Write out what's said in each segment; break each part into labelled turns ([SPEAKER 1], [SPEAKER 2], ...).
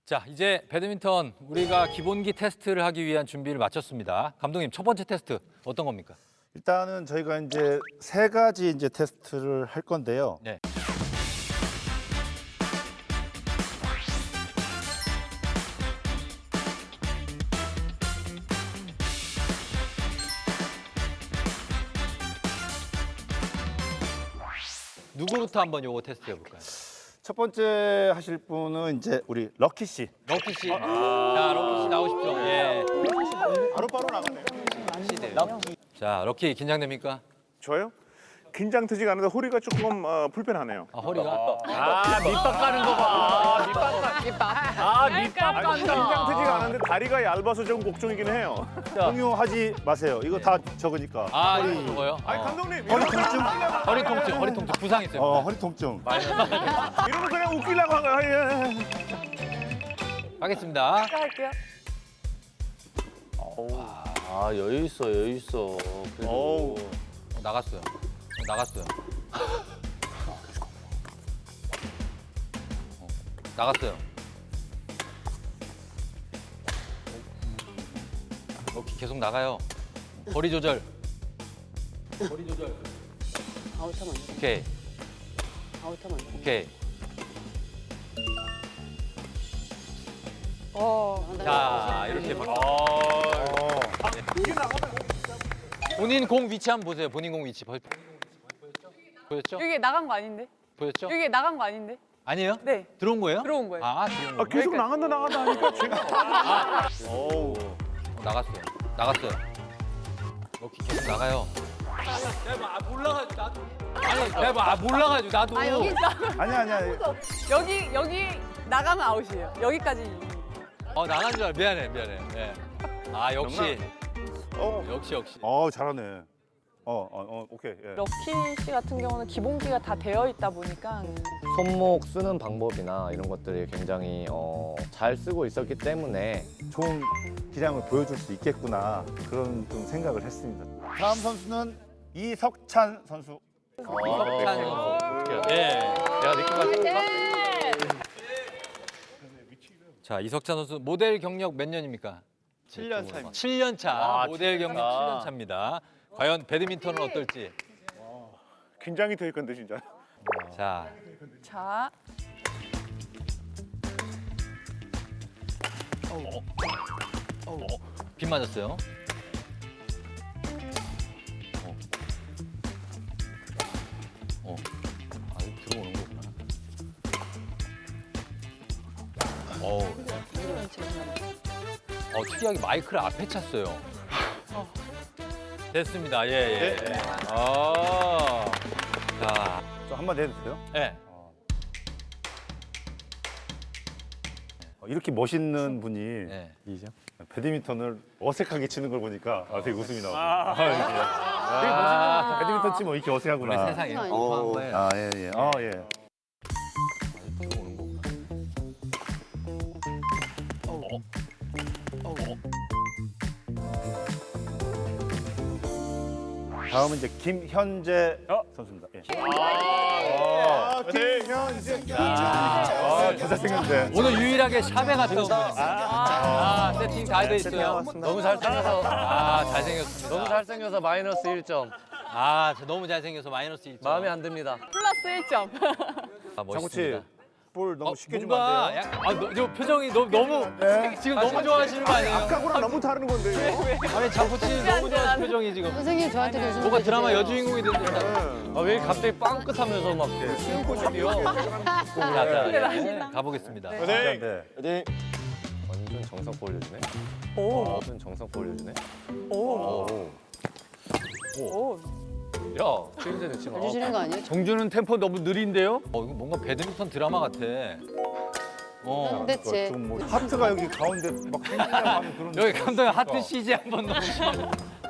[SPEAKER 1] 자, 이제 배드민턴 우리가 기본기 테스트를 하기 위한 준비를 마쳤습니다. 감독님, 첫 번째 테스트 어떤 겁니까?
[SPEAKER 2] 일단은 저희가 이제 세 가지 이제 테스트를 할 건데요.
[SPEAKER 1] 네. 누구부터 한번 요거 테스트 해볼까요?
[SPEAKER 2] 첫 번째 하실 분은 이제 우리 럭키 씨.
[SPEAKER 1] 럭키 씨. 자, 럭키 씨 나오십시오. 예.
[SPEAKER 2] 바로바로 나가네요.
[SPEAKER 1] 자, 럭키 긴장됩니까?
[SPEAKER 3] 저요? 긴장되지가 않는데 허리가 조금 불편하네요.
[SPEAKER 1] 아, 허리가?
[SPEAKER 4] 밑밥 가는 거 봐. 밑밥 간다.
[SPEAKER 3] 긴장되지가 않은데 다리가 얇아서 좀 걱정이긴 해요.
[SPEAKER 2] 공유하지 마세요. 이거 다 적으니까.
[SPEAKER 1] 아, 이거 저거요?
[SPEAKER 3] 아니 감독님
[SPEAKER 2] 허리 통증?
[SPEAKER 1] 허리 통증 부상 있어요.
[SPEAKER 2] 허리 통증.
[SPEAKER 3] 이러면 그냥 웃기려고 한 거야. 예.
[SPEAKER 1] 하겠습니다.
[SPEAKER 5] 할게요.
[SPEAKER 4] 아 여유 있어 여유 있어.
[SPEAKER 3] 어우.
[SPEAKER 1] 나갔어요. 나갔어요. 나갔어요. 럭키 계속 나가요. 거리 조절. 거리 조절.
[SPEAKER 5] 아웃하면 안 돼.
[SPEAKER 1] 오케이.
[SPEAKER 5] 아웃하면 안 돼.
[SPEAKER 1] 오케이. 자, 이렇게 바... 본인 공 위치 한번 보세요. 본인 공 위치. 보였죠?
[SPEAKER 5] 여기 나간 거 아닌데?
[SPEAKER 1] 보였죠?
[SPEAKER 5] 여기 나간 거 아닌데?
[SPEAKER 1] 아니에요?
[SPEAKER 5] 네.
[SPEAKER 1] 들어온 거예요?
[SPEAKER 5] 들어온 거예요.
[SPEAKER 1] 아, 들어온 거예요?
[SPEAKER 3] 계속 나간다 하니까 제가
[SPEAKER 1] 나갔어요. 나갔어요. 럭키 계속 나가요. 대박, 몰라가지고 나도. 아니, 대박, 몰라가지고 나도.
[SPEAKER 5] 아 여기 있다.
[SPEAKER 2] 아니야.
[SPEAKER 5] 여기 나가면 아웃이에요. 여기까지.
[SPEAKER 1] 나간 줄 알아. 미안해. 예. 아, 역시.
[SPEAKER 3] 어.
[SPEAKER 1] 역시.
[SPEAKER 2] 잘하네. 오케이. 예.
[SPEAKER 6] 럭키 씨 같은 경우는 기본기가 다 되어 있다 보니까
[SPEAKER 7] 손목 쓰는 방법이나 이런 것들이 굉장히 잘 쓰고 있었기 때문에
[SPEAKER 2] 좋은 기량을 보여줄 수 있겠구나 그런 좀 생각을 했습니다. 다음 선수는 이석찬 선수.
[SPEAKER 1] 이석찬 선수. 예.
[SPEAKER 7] 내가 느낌 맞췄어.
[SPEAKER 1] 자, 이석찬 선수 모델 경력 몇 년입니까?
[SPEAKER 4] 7년 차입니다.
[SPEAKER 1] 7년 차.
[SPEAKER 7] 아,
[SPEAKER 1] 모델 경력
[SPEAKER 7] 아.
[SPEAKER 1] 7년 차입니다. 과연 배드민턴은 어떨지.
[SPEAKER 3] 긴장이 될 건데 진짜.
[SPEAKER 1] 자,
[SPEAKER 6] 자
[SPEAKER 1] 빗 맞았어요. 아, 이거 들어오는 거구나. 특이하게 마이크를 앞에 찼어요. 됐습니다. 예. 자,
[SPEAKER 2] 저 한마디 해도 돼요?
[SPEAKER 1] 예.
[SPEAKER 2] 이렇게 멋있는 분이
[SPEAKER 1] 예.
[SPEAKER 2] 배드민턴을 어색하게 치는 걸 보니까 되게 웃음이 나오고. 되게 멋있는 배드민턴 치면 이렇게
[SPEAKER 1] 우리
[SPEAKER 2] 어색하구나.
[SPEAKER 1] 세상에 이렇게 공부한 거예요.
[SPEAKER 2] 예.
[SPEAKER 1] 들어오는 거구나.
[SPEAKER 2] 다음은 이제 김현재 선수입니다. 예. 김현재. 더 잘생겼는데.
[SPEAKER 1] 오늘 유일하게 샵에 갔다 온 분입니다. 세팅 다 돼 있어요.
[SPEAKER 7] 너무 잘생겨서
[SPEAKER 1] 잘생겼습니다.
[SPEAKER 7] 너무 잘생겨서 마이너스 1점.
[SPEAKER 1] 너무 잘생겨서 마이너스 1점.
[SPEAKER 7] 마음에 안 듭니다.
[SPEAKER 5] 플러스 1점.
[SPEAKER 2] 장구치 볼 너무 쉽게 주면
[SPEAKER 1] 뭔가
[SPEAKER 2] 안 돼요?
[SPEAKER 1] 저 표정이 너무 지금 너무 좋아하시는 거 아니에요?
[SPEAKER 3] 아까랑 너무 다른 건데 이거.
[SPEAKER 1] 아니 장구치 너무 좋아하는 표정이 지금.
[SPEAKER 5] 선생님 저한테 좀
[SPEAKER 1] 뭐가 드라마 여주인공이 된 듯한.
[SPEAKER 7] 왜 갑자기 빵긋하면서 막 수영꽃이 뛰어?
[SPEAKER 1] 자, 가보겠습니다.
[SPEAKER 2] 네.
[SPEAKER 7] 완전 정석 보여주네. 완전 정석 보여주네. 야, 최근에 넣지 마.
[SPEAKER 5] 주시는 거 아니에요?
[SPEAKER 4] 정준은 템포 너무 느린데요?
[SPEAKER 1] 이거 뭔가 배드민턴 드라마 같아.
[SPEAKER 5] 근데 제
[SPEAKER 2] 뭐 하트가 여기 가운데 막 생기려고 하는 그런.
[SPEAKER 1] 여기 감독님 하트 CG 한번 넣으시면.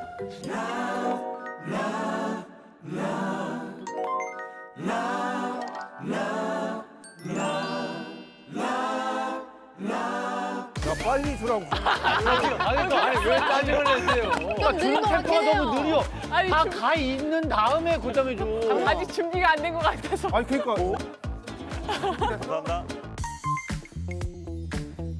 [SPEAKER 2] 야, 빨리 주라고.
[SPEAKER 1] 아니 왜 짜증을 내세요?
[SPEAKER 5] 좀
[SPEAKER 4] 템포가 너무 느려.
[SPEAKER 5] 아니
[SPEAKER 4] 다 가 있는 다음에 고점해줘.
[SPEAKER 5] 아직 준비가 안 된 것 같아서.
[SPEAKER 2] 아니 그러니까
[SPEAKER 3] 감사합니다.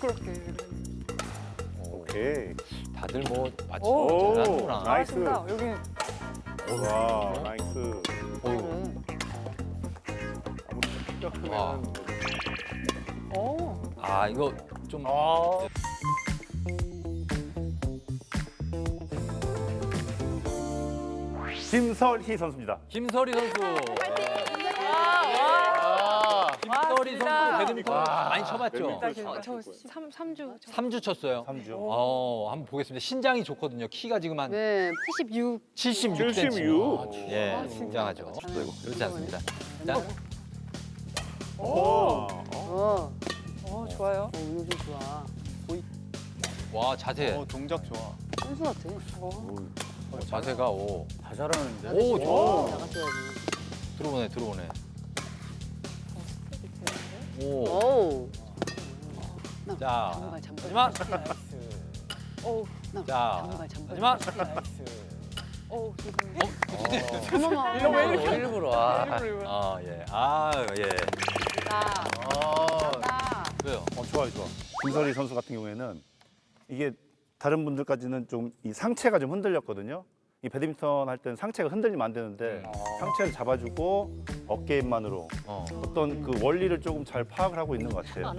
[SPEAKER 3] 오케이.
[SPEAKER 1] 다들 뭐 맞지
[SPEAKER 3] 오,
[SPEAKER 1] 잘하는구나.
[SPEAKER 3] 나이스.
[SPEAKER 6] 잘하신다. 여기
[SPEAKER 3] 와, 나이스.
[SPEAKER 1] 어이구.
[SPEAKER 3] 아무튼 키가
[SPEAKER 1] 와.
[SPEAKER 3] 크면
[SPEAKER 1] 아 이거 좀
[SPEAKER 2] 김설희 선수입니다.
[SPEAKER 1] 김설이 선수. 김설이 선수 배드민턴 많이 쳐봤죠?
[SPEAKER 5] 저 3주.
[SPEAKER 1] 3주 쳤어요.
[SPEAKER 2] 3주.
[SPEAKER 1] 한번 보겠습니다. 신장이 좋거든요. 키가 지금 한
[SPEAKER 5] 네, 86.
[SPEAKER 1] 76cm.
[SPEAKER 3] 76.
[SPEAKER 1] 예, 굉장하죠. 그렇지 않습니다. 자,
[SPEAKER 3] 오.
[SPEAKER 6] 좋아요.
[SPEAKER 5] 오늘 좀 좋아.
[SPEAKER 1] 와 자세.
[SPEAKER 4] 동작 좋아.
[SPEAKER 5] 선수 같아.
[SPEAKER 1] 자세가 오.
[SPEAKER 4] 다 잘하는데.
[SPEAKER 1] 오 좋아.
[SPEAKER 5] 나갔어야지.
[SPEAKER 1] 들어오네. 오.
[SPEAKER 5] 오.
[SPEAKER 1] 자,
[SPEAKER 5] 잠깐.
[SPEAKER 1] 마지막. 자,
[SPEAKER 5] 잠깐.
[SPEAKER 1] 마지막.
[SPEAKER 5] 어머머.
[SPEAKER 7] 일부러 아.
[SPEAKER 1] 아 예. 아 예.
[SPEAKER 5] 나.
[SPEAKER 1] 왜요?
[SPEAKER 2] 좋아요. 김설희 선수 같은 경우에는 이게 다른 분들까지는 좀 이 상체가 좀 흔들렸거든요. 이 배드민턴 할 때는 상체가 흔들리면 안 되는데 상체를 잡아주고 어깨 힘만으로 어떤 그 원리를 조금 잘 파악을 하고 있는 것 같아요.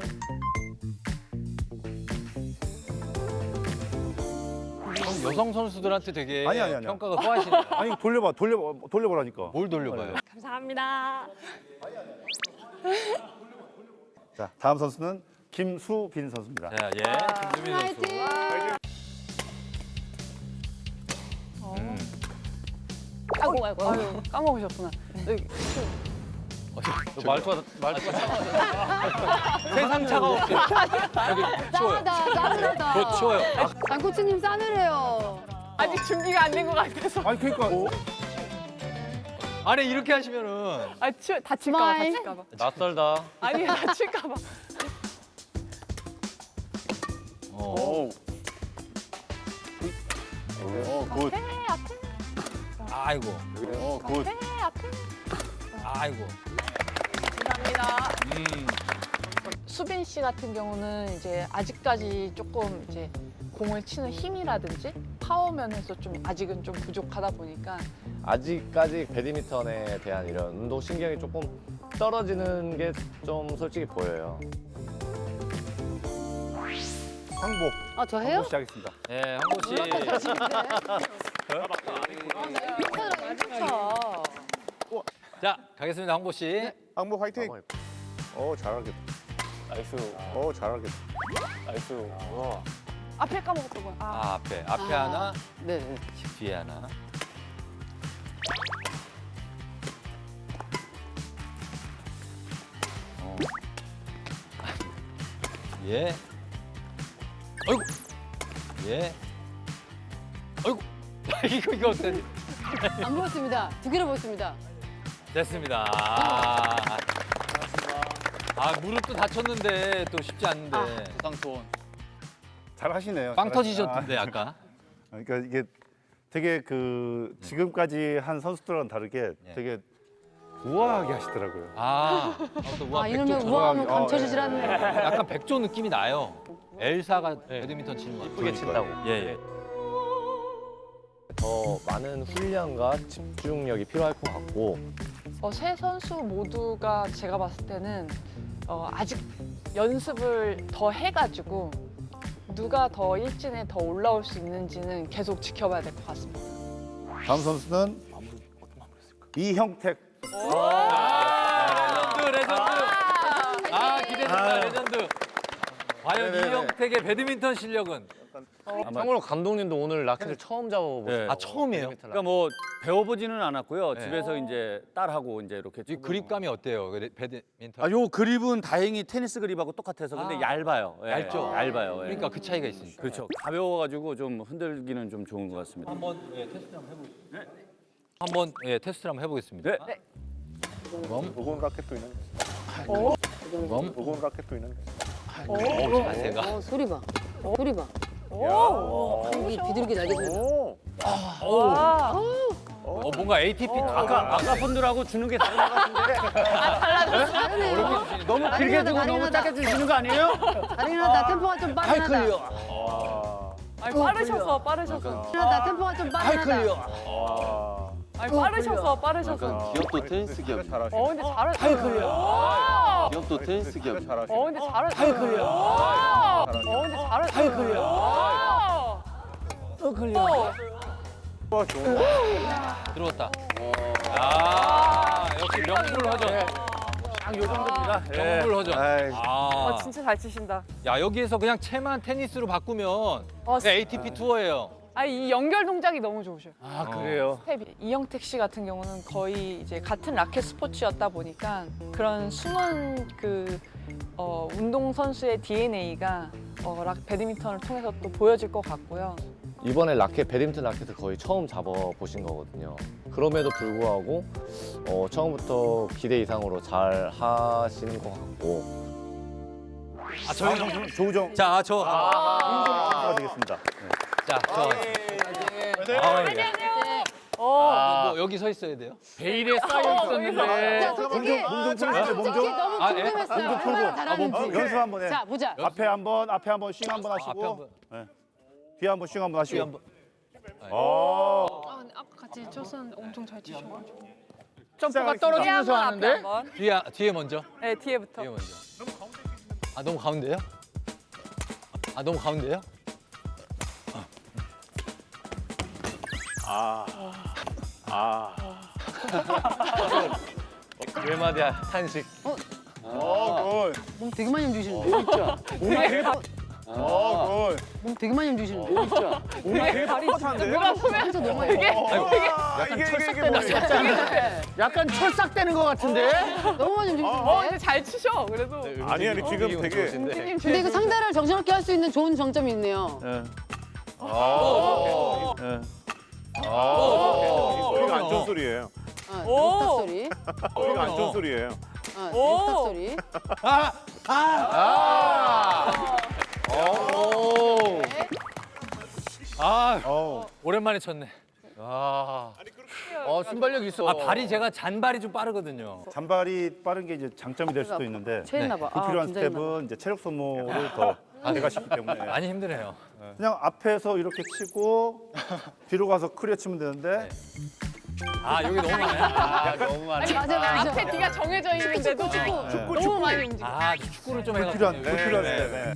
[SPEAKER 1] 그럼 여성 선수들한테 되게
[SPEAKER 2] 아니요.
[SPEAKER 1] 평가가 후하시네요.
[SPEAKER 2] 아니 돌려보라니까.
[SPEAKER 1] 뭘 돌려봐요?
[SPEAKER 5] 감사합니다.
[SPEAKER 2] 자, 다음 선수는 김수빈 선수입니다.
[SPEAKER 1] 자, 예. 김수민 선수.
[SPEAKER 6] 아유, 까먹으셨구나.
[SPEAKER 1] 말투가 세상 차가웠지. 여기 추워요.
[SPEAKER 5] 싸늘하다.
[SPEAKER 1] 더 추워요.
[SPEAKER 5] 장코치님 싸늘해요.
[SPEAKER 6] 아직 준비가 안 된 것 같아서.
[SPEAKER 2] 아니 그러니까
[SPEAKER 1] 아니 이렇게 하시면은
[SPEAKER 6] 다칠까봐.
[SPEAKER 5] 스마일.
[SPEAKER 7] 낯설다.
[SPEAKER 6] 아니, 다칠까봐.
[SPEAKER 3] 오. 굿.
[SPEAKER 1] 아이고.
[SPEAKER 3] 굿.
[SPEAKER 1] 아이고.
[SPEAKER 6] 감사합니다.
[SPEAKER 1] 음.
[SPEAKER 6] 수빈 씨 같은 경우는 이제 아직까지 조금 이제 공을 치는 힘이라든지 파워면에서 좀 아직은 좀 부족하다 보니까
[SPEAKER 7] 아직까지 배드민턴에 대한 이런 운동 신경이 조금 떨어지는 게 좀 솔직히 보여요.
[SPEAKER 2] 항복.
[SPEAKER 5] 저 해요?
[SPEAKER 2] 항복 시작하겠습니다.
[SPEAKER 1] 예, 한국 씨. 자, 가겠습니다, 황보 씨.
[SPEAKER 3] 항복 화이팅.
[SPEAKER 7] 한번
[SPEAKER 3] 잘하겠다.
[SPEAKER 7] 나이스.
[SPEAKER 3] 잘하겠다.
[SPEAKER 7] 나이스.
[SPEAKER 6] 앞에 까먹었던 거야.
[SPEAKER 1] 앞에 하나,
[SPEAKER 5] 네.
[SPEAKER 1] 뒤에 하나. 예. 아이고. 예. 아이고. 이거 어떡하지?
[SPEAKER 5] 안 보였습니다. 두 개를 보였습니다.
[SPEAKER 1] 됐습니다. 무릎도 다쳤는데 또 쉽지 않은데.
[SPEAKER 2] 잘 하시네요.
[SPEAKER 1] 빵 터지셨던데 아까.
[SPEAKER 2] 그러니까 이게 되게 그 지금까지 한 선수들과는 다르게
[SPEAKER 1] 네.
[SPEAKER 2] 되게 우아하게 하시더라고요.
[SPEAKER 1] 또 우아
[SPEAKER 5] 이놈의
[SPEAKER 1] 백조
[SPEAKER 5] 우아함을
[SPEAKER 2] 어,
[SPEAKER 5] 감춰주질 않네.
[SPEAKER 1] 약간 백조 느낌이 나요. 엘사가 배드민턴 치는 거
[SPEAKER 7] 이쁘게 친다고.
[SPEAKER 1] 예.
[SPEAKER 7] 더 많은 훈련과 집중력이 필요할 것 같고
[SPEAKER 6] 세 선수 모두가 제가 봤을 때는 아직 연습을 더 해가지고 누가 더 일진에 더 올라올 수 있는지는 계속 지켜봐야 될 것 같습니다.
[SPEAKER 2] 다음 선수는 이형택.
[SPEAKER 1] 레전드. 기대된다 레전드. 과연
[SPEAKER 7] 네네네.
[SPEAKER 1] 이형택의 배드민턴 실력은?
[SPEAKER 7] 참고로 감독님도 오늘 라켓을 처음 잡아보셨어요.
[SPEAKER 8] 네.
[SPEAKER 1] 처음이에요?
[SPEAKER 8] 그러니까 뭐 배워보지는 않았고요.
[SPEAKER 1] 네.
[SPEAKER 8] 집에서 이제 딸하고 이제 이렇게
[SPEAKER 1] 이 그립감이 어때요? 배드민턴?
[SPEAKER 8] 아, 요 그립은 다행히 테니스 그립하고 똑같아서 근데
[SPEAKER 1] 아.
[SPEAKER 8] 얇아요. 예,
[SPEAKER 1] 얇죠?
[SPEAKER 8] 얇아요. 예.
[SPEAKER 1] 그러니까 그 차이가 있으니까.
[SPEAKER 8] 그렇죠. 가벼워가지고 좀 흔들기는 좀 좋은 것 같습니다.
[SPEAKER 1] 한번 테스트 한번 해보겠습니다. 한번 테스트를 한번 해보겠습니다.
[SPEAKER 8] 네.
[SPEAKER 3] 무거운 라켓도 있는데. 무거운 라켓도 있는데.
[SPEAKER 1] 자세가.
[SPEAKER 5] 소리 봐. 소리 봐.
[SPEAKER 3] 야.
[SPEAKER 5] 이 비둘기 날개 소리 봐.
[SPEAKER 3] 오.
[SPEAKER 6] 와,
[SPEAKER 1] 뭔가 ATP
[SPEAKER 8] 아까 분들하고 주는 게 다른 것 같은데.
[SPEAKER 5] 다르네요.
[SPEAKER 4] 너무 길게 주고 너무 짧게 주시는 거 아니에요?
[SPEAKER 5] 다르긴 하다. 템포가 좀 빠르긴 하다.
[SPEAKER 6] 아니, 빠르셔서 빠르셔서.
[SPEAKER 5] 하다. 템포가 좀 빠르긴 하다.
[SPEAKER 6] 아니, 빠르셔서.
[SPEAKER 9] 기업도 테니스 기업.
[SPEAKER 6] 근데 잘하시네.
[SPEAKER 9] 기업도 테니스 기업.
[SPEAKER 6] 근데 잘하시네. 근데 잘하시네.
[SPEAKER 1] 들어왔다. 아, 역시 명불 허전.
[SPEAKER 8] 요 정도입니다.
[SPEAKER 1] 명불 허전. 아,
[SPEAKER 6] 진짜 잘 치신다.
[SPEAKER 1] 야 여기에서 그냥 채만 테니스로 바꾸면 그냥 ATP 투어예요.
[SPEAKER 6] 이 연결 동작이 너무 좋으셔요.
[SPEAKER 8] 아 그래요.
[SPEAKER 6] 스텝이. 이영택 씨 같은 경우는 거의 이제 같은 라켓 스포츠였다 보니까 그런 숨은 운동 선수의 DNA가 배드민턴을 통해서 또 보여질 것 같고요.
[SPEAKER 7] 이번에 배드민턴 라켓을 거의 처음 잡아보신 거거든요. 그럼에도 불구하고 처음부터 기대 이상으로 잘 하시는 것 같고.
[SPEAKER 2] 저희 조우정
[SPEAKER 1] 자, 저.
[SPEAKER 2] 선수가 되겠습니다. 네.
[SPEAKER 1] 자, 저. 뭐 여기 서 있어야 돼요?
[SPEAKER 4] 베일에 쌓여 있었는데.
[SPEAKER 5] 자, 솔직히
[SPEAKER 2] 몸 좀 풀어주세요. 몸 좀.
[SPEAKER 5] 너무
[SPEAKER 1] 아, 예?
[SPEAKER 5] 궁금했어요.
[SPEAKER 2] 몸좀 풀고.
[SPEAKER 5] 얼마나 잘하는지.
[SPEAKER 2] 연습 한번 해.
[SPEAKER 5] 자, 보자.
[SPEAKER 2] 앞에 한번 싱 한번
[SPEAKER 1] 앞에
[SPEAKER 2] 하시고
[SPEAKER 1] 한번.
[SPEAKER 2] 네. 뒤에 한번 싱 한번
[SPEAKER 1] 뒤에
[SPEAKER 2] 하시고.
[SPEAKER 1] 한번.
[SPEAKER 6] 아까 같이 쳤었는데 엄청 잘 치셔가지고.
[SPEAKER 4] 점프가 떨어지면서 하는데.
[SPEAKER 1] 뒤에 먼저.
[SPEAKER 6] 네, 뒤에부터.
[SPEAKER 1] 뒤에 먼저. 아, 너무 가운데요? 아, 너무 가운데요?
[SPEAKER 7] 외마디야 탄식.
[SPEAKER 5] 몸 되게 많이 움직이시는데. 몸 되게 많이 움직이시는데.
[SPEAKER 6] 누가 보면
[SPEAKER 5] 진짜 너무 많이.
[SPEAKER 3] 이게
[SPEAKER 4] 약간 철삭되는 것 같은데.
[SPEAKER 5] 너무 많이 움직이시는데.
[SPEAKER 6] 근데 잘 치셔. 그래도.
[SPEAKER 3] 아니 지금 되게
[SPEAKER 5] 근데 이거 상대를 정신없게 할 수 있는 좋은 장점이 있네요.
[SPEAKER 3] 소리가 안 좋은 소리예요.
[SPEAKER 5] 욕탁 소리.
[SPEAKER 3] 소리가 안 좋은 소리예요.
[SPEAKER 5] 욕탁 소리.
[SPEAKER 1] 오랜만에 쳤네.
[SPEAKER 4] 순발력 있어.
[SPEAKER 1] 아, 발이 제가 잔발이 좀 빠르거든요.
[SPEAKER 2] 잔발이 빠른 게 이제 장점이 될 수도 있는데
[SPEAKER 5] 체했나 봐.
[SPEAKER 2] 불필요한
[SPEAKER 5] 긴장했나 봐.
[SPEAKER 2] 스텝은 이제 체력 소모를 더 제거시키기 때문에
[SPEAKER 1] 많이 힘드네요.
[SPEAKER 2] 그냥 앞에서 이렇게 치고 뒤로 가서 크리어 치면 되는데
[SPEAKER 1] 아, 여기 너무 많아요.
[SPEAKER 4] 너무 많아.
[SPEAKER 5] 맞아.
[SPEAKER 6] 앞에 뒤가 정해져 있는데도 너무 많이 움직여.
[SPEAKER 1] 아, 축구를 좀
[SPEAKER 2] 불필요한
[SPEAKER 1] 해가지고.
[SPEAKER 2] 불필요한 스텝. 네.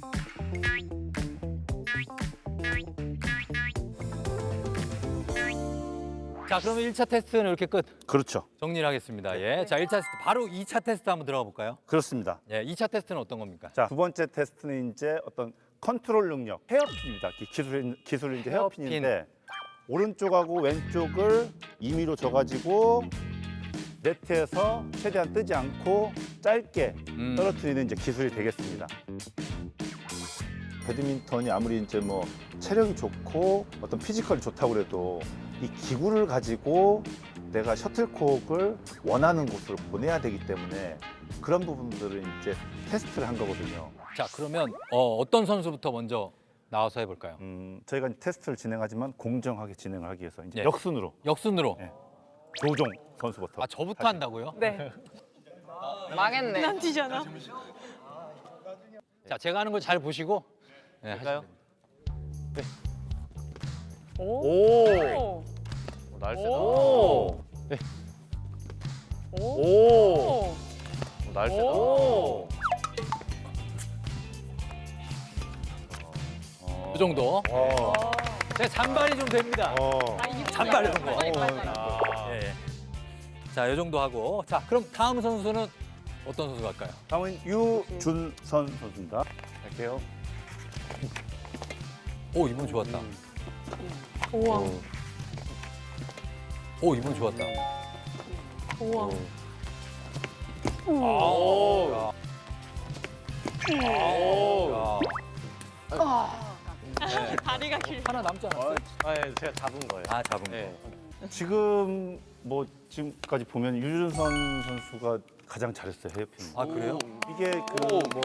[SPEAKER 1] 자, 그러면 1차 테스트는 이렇게 끝.
[SPEAKER 2] 그렇죠.
[SPEAKER 1] 정리를 하겠습니다. 예. 자, 1차 테스트. 바로 2차 테스트 한번 들어가 볼까요?
[SPEAKER 2] 그렇습니다.
[SPEAKER 1] 예, 2차 테스트는 어떤 겁니까?
[SPEAKER 2] 자, 두 번째 테스트는 이제 어떤 컨트롤 능력, 헤어핀입니다. 기술은 이제 헤어핀인데 오른쪽하고 왼쪽을 임의로 줘가지고 네트에서 최대한 뜨지 않고 짧게 떨어뜨리는 이제 기술이 되겠습니다. 배드민턴이 아무리 이제 뭐 체력이 좋고 어떤 피지컬이 좋다고 그래도 이 기구를 가지고 내가 셔틀콕을 원하는 곳으로 보내야 되기 때문에 그런 부분들을 이제 테스트를 한 거거든요.
[SPEAKER 1] 자, 그러면 어떤 선수부터 먼저 나와서 해볼까요?
[SPEAKER 2] 저희가 이제 테스트를 진행하지만 공정하게 진행을 하기 위해서 이제
[SPEAKER 1] 예.
[SPEAKER 2] 역순으로
[SPEAKER 1] 역순으로.
[SPEAKER 2] 네. 조종 선수부터.
[SPEAKER 1] 아, 저부터 한다고요?
[SPEAKER 6] 네. 망했네. 난 뒤잖아.
[SPEAKER 1] 자, 제가 하는 걸 잘 보시고. 네, 하시면 됩니다.
[SPEAKER 6] 오.
[SPEAKER 7] 날씨다.
[SPEAKER 6] 오.
[SPEAKER 7] 오. 날씨다.
[SPEAKER 6] 오.
[SPEAKER 1] 이 정도. 제 잔발이 좀 됩니다. 잔발 정도. 예, 예. 자, 이 정도 하고. 자, 그럼 다음 선수는 어떤 선수 갈까요?
[SPEAKER 2] 다음은 유준선 선수입니다.
[SPEAKER 7] 갈게요.
[SPEAKER 1] 오, 이분 좋았다.
[SPEAKER 6] 우와.
[SPEAKER 1] 오, 이분 좋았다.
[SPEAKER 6] 우와.
[SPEAKER 1] 아우.
[SPEAKER 6] 다리가 길.
[SPEAKER 1] 하나 남지 않았어요?
[SPEAKER 7] 네, 제가 잡은 거예요.
[SPEAKER 1] 아, 잡은 거.
[SPEAKER 7] 네.
[SPEAKER 2] 지금 뭐 지금까지 보면 유준선 선수가 가장 잘했어요, 헤어핀.
[SPEAKER 1] 아, 그래요?
[SPEAKER 2] 이게 그 뭐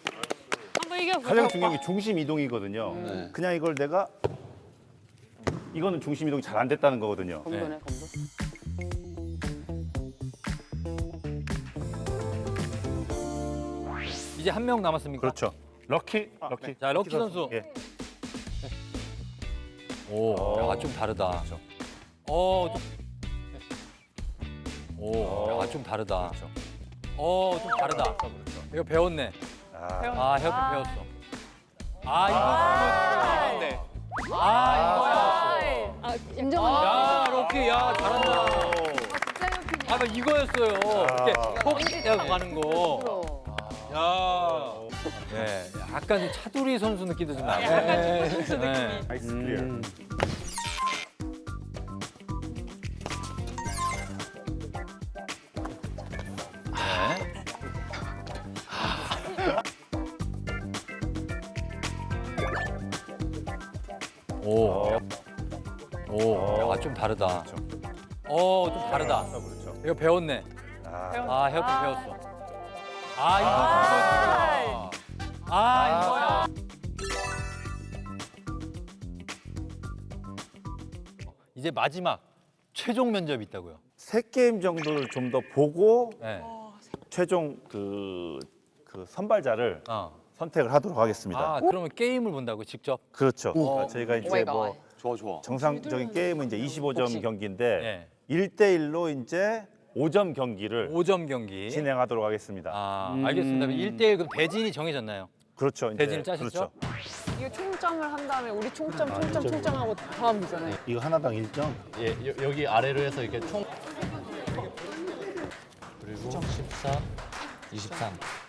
[SPEAKER 5] 한번 이겨.
[SPEAKER 2] 가장 중요한 게 중심 이동이거든요. 그냥 이걸 내가 이거는 중심 이동이 잘 안 됐다는 거거든요.
[SPEAKER 5] 검도네, 검도.
[SPEAKER 1] 이제 한 명 남았습니까?
[SPEAKER 2] 그렇죠. 럭키.
[SPEAKER 1] 자, 럭키 선수.
[SPEAKER 2] 예.
[SPEAKER 1] 오, 야, 좀 다르다. 좀 다르다. 좀 다르다. 이거 배웠네. 헤어핀 배웠어.
[SPEAKER 5] 인정합니다.
[SPEAKER 1] 야, 럭키, 야, 잘한다. 아, 이거였어요. 이렇게 콕 가는 거. 야, 네, 약간 좀 차두리 선수 느낌도 좀 나네.
[SPEAKER 6] 약간 선수 느낌이.
[SPEAKER 3] 나이스 클리어.
[SPEAKER 1] 야, 좀 다르다. 좀 다르다. 이거 배웠네. 헤어핀 배웠어. 이거야. 이제 마지막 최종 면접이 있다고요.
[SPEAKER 2] 3게임 정도를 좀 더 보고
[SPEAKER 1] 네.
[SPEAKER 2] 최종 그 선발자를
[SPEAKER 1] 어.
[SPEAKER 2] 선택을 하도록 하겠습니다.
[SPEAKER 1] 그러면 게임을 본다고 직접?
[SPEAKER 2] 그렇죠. 저희가 이제 뭐
[SPEAKER 7] 좋아.
[SPEAKER 2] 정상적인 게임은 이제 25점 경기인데
[SPEAKER 1] 네.
[SPEAKER 2] 1대1로 이제 5점 경기를
[SPEAKER 1] 5점 경기.
[SPEAKER 2] 진행하도록 하겠습니다.
[SPEAKER 1] 알겠습니다. 1대1 그럼 대진이 정해졌나요?
[SPEAKER 2] 그렇죠. 이제
[SPEAKER 1] 대진을 짜셨죠?
[SPEAKER 2] 그렇죠.
[SPEAKER 6] 이거 총점을 한 다음에 우리 총점하고 다 하면 되잖아요.
[SPEAKER 2] 이거 하나당 1점.
[SPEAKER 7] 예, 여기 아래로 해서 이렇게 총 그리고 14, 23.